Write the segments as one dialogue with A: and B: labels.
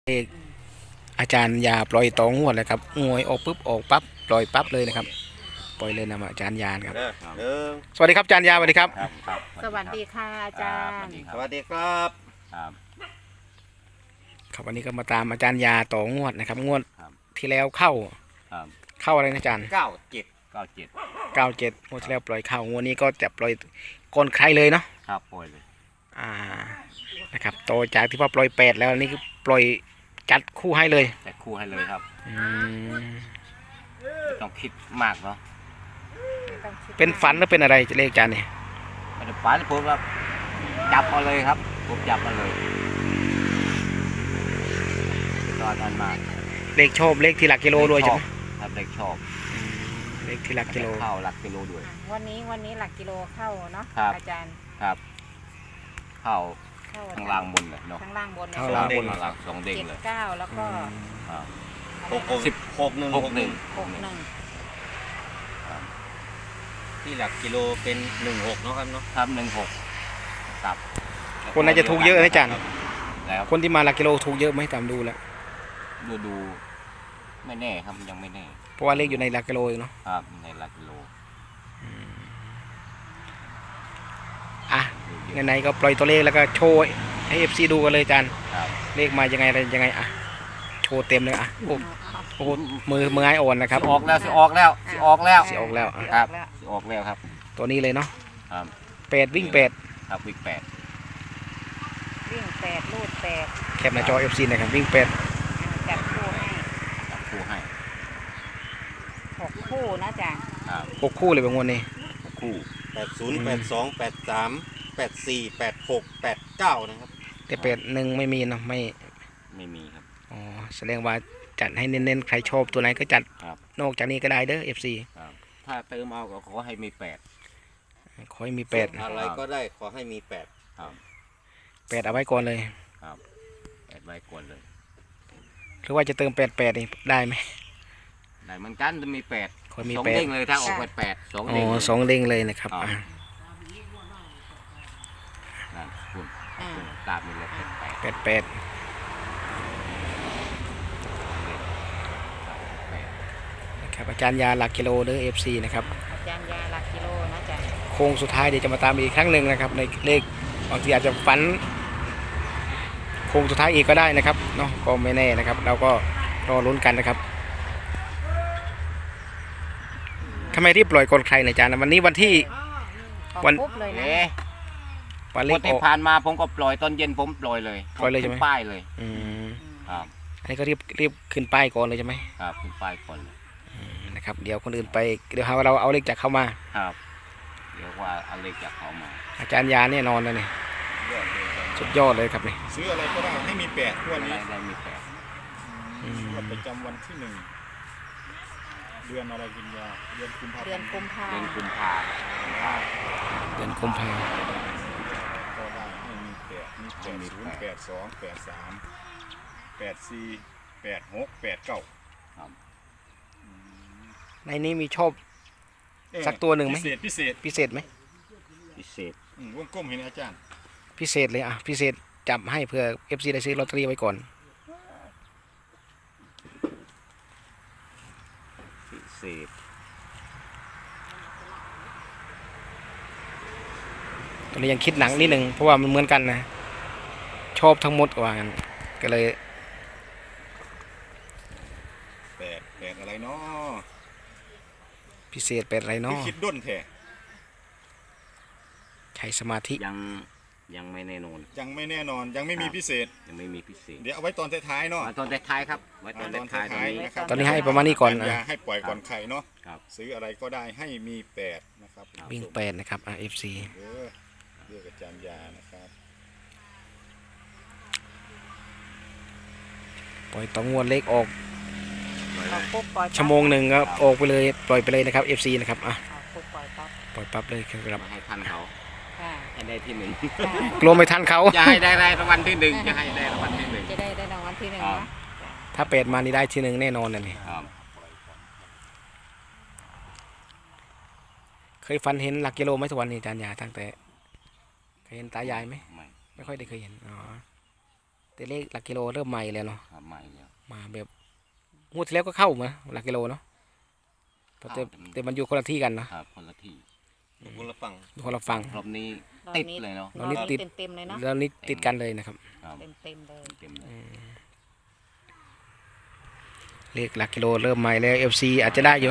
A: เอกอาจารย์ยาปล่อยต่องวดเลยครับงวยออกปุ๊บออกปั๊บปล่อยปั๊บเลยนะครับปล่อยเลยนะอาจารย์ยาครับสวัสดีครับอาจารย์ยาสวัสดีครับ
B: สวัสดีค่ะอาจารย์
C: สวัสดีครับ
A: ครับวันนี้ก็มาตามอาจารย์ยาต่องวดนะครับงวด
C: ครับ
A: ที่แล้วเข้า
C: ครับ
A: เข้าอะไรนะอาจารย์
C: 97
A: 97งวดที่แล้วปล่อยเข้างวดนี้ก็จะปล่อยก่อนใครเลยเนาะ
C: ครับปล่อยเลย
A: นะครับโตจากที่ว่าปล่อย8แล้วนี่คือปล่อยจัดคู่ให้เลย
C: แต่คู่ให้เลยครับ
A: อืม
C: ไม่ต้องคิดมากเนาะ
A: เป็นฝันหรือเป็นอะไรจะเลขอาจารย์เนี่ย
C: ไม่ได้ฝันผมครับจับมาเลยครับผมจับมาเลยตอนนั้นมา
A: เลขชอบเลขที่หลักกิโลด้วยใช่ไหม
C: ครับเด็กชอบ
A: เลขที่หลักกิโล
C: เข้าหลักกิโลด้วย
B: วันนี้หลักกิโลเข้าเนาะ
C: ครับ
B: อาจารย์
C: ครับ เข้า
B: เข้า
C: ข้างล่างบนเลยเนาะ
B: ข้างล่างบน
A: ข้างล่างบน
C: ข้างล่างสองเด้ง
B: เจ็ด
C: เลย
B: เก้าแล้วก็
C: ครับ
B: อะไรนะ
C: 61
B: 61
D: ที่หลักกิโลเป็น16เนาะครับเนาะ
C: ครับ16ครับ
A: คนน่าจะถูกเยอะนะอาจารย์
C: แล้ว
A: คนที่มาหลักกิโลถูกเยอะไหมตามดูแล้ว
C: ดูไม่แน่ครับยังไม่แน่
A: เพราะว่าเลขอยู่ในหลักกิโลเองเนาะ
C: ครับในหลักกิโล
A: อ่ะไหนๆก็ปล่อยตัวเลขแล้วก็โชว์ให้ FC ดูกันเลยอาจารย์
C: ครับ
A: เลขมายังไงอะไรยังไงอ่ะโชว์เต็มเลยอ่ะโอ้
B: เอา
A: โหมือไอ้อ่อนนะครับ
C: สิออกแล้วสิออกแล้วสิออกแล้ว
A: สิออกแล้วอ่ะ
C: ครับสิออกแล้วครับ
A: ตัวนี้เลยเนาะ
C: ครับ
A: 8วิ่ง8
C: ครับวิก8
B: วิ่ง8ลูด8
A: แคปหน้าจอ FC นะครับวิ่ง8
B: จับคู่ให้
C: จับคู่ให้
B: 6คู่นะอาจารย์
C: ครับ
A: 6คู่เลยบางวันนี้
C: คู่
D: 80 82 83 84 86 89นะครับ
A: แต่81ไม่มีเนาะไม่
C: ไม่มีครับ
A: อ๋อแสดงว่าจัดให้เน้นๆใครชอบตัวไหนก็จัด
C: ครับ
A: นอกจากนี้ก็ได้เด้อ FC
C: ครับถ้าเติมเอาก็ขอให้มี8
A: ขอให้มี
D: อะไรก็ได้ขอให้มี
C: ครับ
A: 8เอาไว้ก่อนเลย
C: ครับ8ไว้ก่อนเลย
A: หรือว่าจะเติม88นี่ได้ไหม
C: ได้เหมือนกันจะมี8
A: ขอมี
C: สอง
A: 8
C: เด้งเลยถ้าออก8 2
A: อ๋
C: เด้ง
A: อ
C: เลย
A: 2เด้งเลยนะครับ
C: ครับ
A: อ่ะ
C: นั่นคุณ
B: อ่า
C: ตามไปเลย8
A: 88นะครับอาจารย์ยาหลักกิโลเด้อ FC นะครับ
B: อาจารย์ยาหลักกิโลนะอาจารย์
A: โค้งสุดท้ายเดี๋ยวจะมาตามอีกครั้งหนึ่งนะครับในเลขบางทีอาจจะฝันโค้งสุดท้ายอีกก็ได้นะครับเนาะก็ไม่แน่นะครับ เราก็รอลุ้นกันนะครับทำไมรีบปล่อยก่อนใครนะอาจารย์วันนี้วันที่
B: ออก
A: วัน
B: ปุ๊บเลยนะ
C: เอ๊ะ
A: วันเล
C: ง
A: ข
C: วด
A: อ
C: ที่
A: อก
C: ผ่านมาผมก็ปล่อยตอนเย็นผมปล่อยเลย
A: ปล่อยเลยใช่ไหม
C: ขึ้นป้ายเลย
A: อืม
C: ครับ
A: อันนี้ก็รีบขึ้นป้ายก่อนเลยใช่ไหม
C: ครับขึ้นป้ายก่อนเลย
A: นะครับเดี๋ยวคนอื่นไปเดี๋ยวหาว่าเราเอาเลขจากเข้ามา
C: ครับเดี๋ยวว่าเอาเลขจากเขามา
A: อาจารย์ยาแน่นอนเลยนี่สุดยอดเลยครับนี่
D: ซื้ออะไรก็ได้ให้มี8งวดนี้
C: ได้มี8
D: งวดประจำวันที่ 1 เดือนอะไรกินยาเดือนกุมภา
B: เดือนกุมภา
C: เดือนกุมภา
A: เดือนกุมภา
D: ก็ได้ให้มี8มี80 82 83 84 86 89
C: ครับ
A: ในนี้มีชอบ สักตัวหนึ่งไหม
D: พิเศษ
A: พิเศษไหม
C: พิเศษ
D: วงกลมเห็นอาจารย์
A: พิเศษเลยอ่ะพิเศษจับให้เพื่อ FC ได้ซื้อลอตเตอรี่ไว้ก่อน
C: พิเศษ
A: ตอนนี้ยังคิดหนังนิดหนึ่งเพราะว่ามันเหมือนกันนะชอบทั้งหมดว่างั้นก็เลย
D: 8อะไรเนาะ
A: พิเศษเป็นอะไร
D: คือ
A: เนาะ
D: คิดด้นแท้
A: ใช้สมาธิ
C: ยังไม่แน่นอน
D: ยังไม่แน่นอนยังไม่มีพิเศษ
C: ยังไม่มีพิเศษ
D: เดี๋ยวเอาไว้ตอนท้ายๆเนาะ
C: มาตอนท้ายๆครับไว้ตอนท้ายๆตอนนี้
D: นะครับ
A: ตอนนี้ให้ประมาณนี้ก่อน
D: อย่า
A: นะ
D: ให้ปล่อยก่อนใครเนาะ
C: ครับ
D: ซื้ออะไรก็ได้ให้มี8นะครับ
A: วิ่ง8นะครับFC
D: เรียกอาจารย์ยานะครับ
A: ปล่อยต่องวดเลขออก
B: ออกปุ๊บปล่อยปั๊บ
A: ชั่วโมงหนึ่งก็ออกไปเลยปล่อยไปเลยนะครับ FC นะครับอ่ะ
B: ออกปุ๊บปล่อยปั๊บ
A: ปล่อยปั๊บเลยครับ
C: มาให้ทันเขา
B: ค่ะ
C: ให้ได้ที่ 1
A: กลัวไม่ทันเขา
C: อย่าให้ได้รางวัลที่ 1อย่าให้ได้รางวัลที่
B: จะได้รางวัลที่หนึ่ง
C: ครับ
B: นะ
A: ถ้าเป็ดมานี่ได้ทีหนึ่งแน่นอนนะนี่
C: 1ครับ
A: เคยฝันเห็นหลักกิโลไหมทุกวันนี้อาจารย์ยาตั้งแต่เคยเห็นตายายไหม
C: ไม่
A: ไม่ค่อยได้เคยเห็นอ๋อแต่เลขหลักกิโลเริ่มใหม่แล้วเนาะ
C: ครับ
A: มาแบบงวดที่แล้วก็เข้ามาหลักกิโลเนาะแต่มันอยู่คนละที่กันเนาะ
C: ครับคนละที่
D: คนละฝั่ง
A: อยู่คนละฝั่ง
C: รอบนี้
B: รอบ
C: ติด
B: นี้
C: เลยเนาะ
A: รอบนี้ติด
B: เต็มๆเลยเนาะ
A: แล้วนี่ติดกันเลยนะครับ
C: ครับ
B: เต็มเลย
C: เต็มเลย
A: เลขหลักกิโลเริ่มใหม่แล้ว FC อาจจะได้อยู่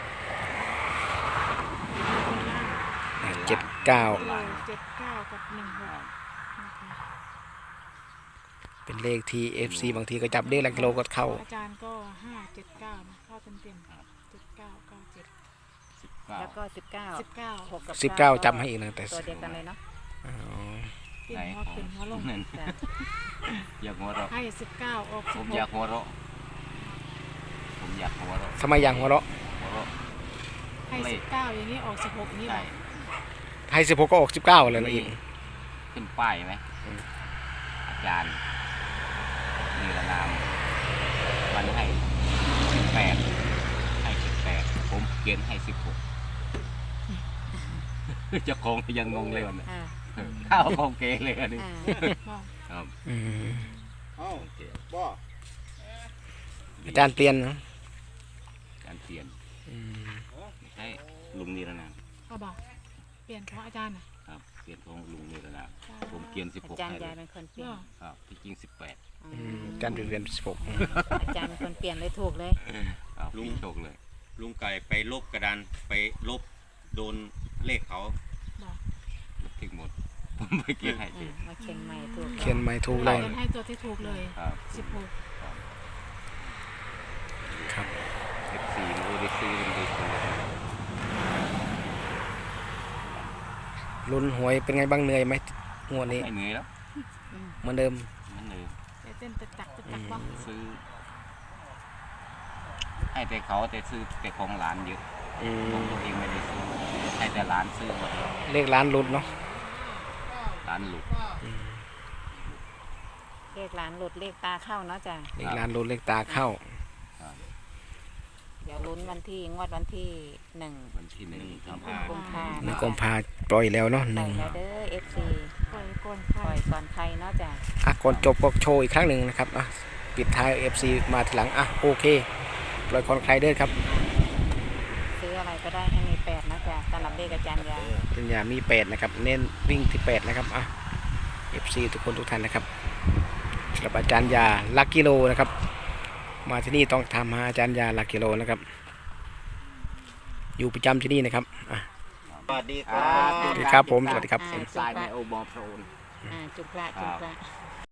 A: 79
E: 7 9 กับ
A: เป็นเลขที่ FC บางทีก็จับเลขหลักกิโลก็เข้า
E: 16อาจารย์ก็ 5 7 9นะเข้าเต็มๆ7 9 9 7
B: แล้วก็19
E: 19
B: 6กับ
A: 19จำให้อีกนะแต่
B: ตัวเดียวกันเลยเนาะ
A: อ๋อ
E: เปลี่ยนหัวขึ้นหัวลง
C: นั่น
B: จ้ะ
C: อยากหัวเราะ
E: ให้19ออก
C: ผมอยากหัวเราะผมอยากหัวเราะ
A: ทำไมยังหัวเราะ
C: หัวเราะ
E: 16ให้19อย่างนี้ออก16อย่างนี้หร
C: ใช่
E: อ
A: ให้16ก็ออก19เลยนะอีก
C: ขึ้นป้ายไหมอาจารย์นิรนามมันให้18ให้18ผมเขียนให้16เจ้าของยังงงเลยวันนี้
B: อ่า
C: ข้าวของเกเลยอันนี้
B: อ่า
E: บอก
C: ครับ
A: อืม
D: เอ้าบ่
A: อาจารย์เปลี่ยนนะ
C: การเปลี่ยน
A: อืม
C: ไม่ใช่ลุงนิรนาม
E: เอาบอกเปลี่ยนของอาจารย์น่ะ
C: ครับเปลี่ยนของลุงนิรนามผมเขียน
B: อา
C: 16
B: จารย์
C: ให้เลย
B: าย
C: ย
B: เป็นคนเปลี่ยน
C: ครับที่จริง18
A: อืมอาจารย์เรียน16
B: อาจารย์เป็นคนเปลี่ยนเลยถูกเลย
C: ครับพี่โชคเลย
F: ลุงไก่ไปลบกระดานไปลบโดนเลขเขา
E: บอก
C: ถึงหมด ผมไปเขียนให้
B: อ่ามาเขียนใหม่ถูก
A: เขียนไม่ถูกเลย
E: เขียนให้ตัวที่ถูกเลย
C: ครับ
E: 16
A: ครับ
C: F4 มันก็ได้ซื้อมันได้ซื้อ
A: ลุ้นหวยเป็นไงบ้างเหนื่อยไหมงวดนี้
C: ไม่เหนื่อยแล้ว
A: เหมือนเดิม
C: มันเหนื่อย
E: แต่เต้นตึกตักบ้าง
C: ซื้อ ให้แต่เขาแต่ซื้อแต่ของหลานเยอะ
A: อื
C: ของ
A: ม
C: ตัวเองไม่ได้ซื้อให้แต่หลานซื้อหมด
A: เลขร้านลุ้นเนาะ
C: หลานหลุด
B: เลขหลานหลุดเลขตาเข้าเนาะจ้ะ
A: เลขร้านลุ้นเลขตาเข้า
B: เดี๋ยวลุ้นวันที่งวดวันที่1
C: วันที่1ครับ
B: กุมภา
A: หนึ่งกุมภาปล่อยแล้วเนาะห
B: ปล่
A: นึ่
B: อย
A: ง
B: แล้วเด้อ FC
E: ปล่อยก่อน
B: ปล่อยก่อนใครเนาะจ้ะ
A: อ่ะก่อนจบก็โชว์อีกครั้งหนึ่งนะครับอ่ะปิดท้าย FC มาทีหลังอ่ะโอเคปล่อยคอนใครเด้อครับ
B: ซื้ออะไรก็ได้ให้มี8นะจ๊ะสำหรับเลขอาจารย์ยา
A: ปัญญามี8นะครับเน้นวิ่งที่8นะครับอ่ะ FC ทุกคนทุกท่านนะครับสำหรับอาจารย์ยาลักกิโลนะครับมาที่นี่ต้องทำหาอาจารย์ยาลักกิโลนะครับอยู่ประจำที่นี่นะครับอ่ะ
F: สวัสดีค
C: ครั
F: รับ
A: สวัสดีครับผมสวัสดีครับ
C: ทรายในโอบอโพรน
B: จุกละจุกละ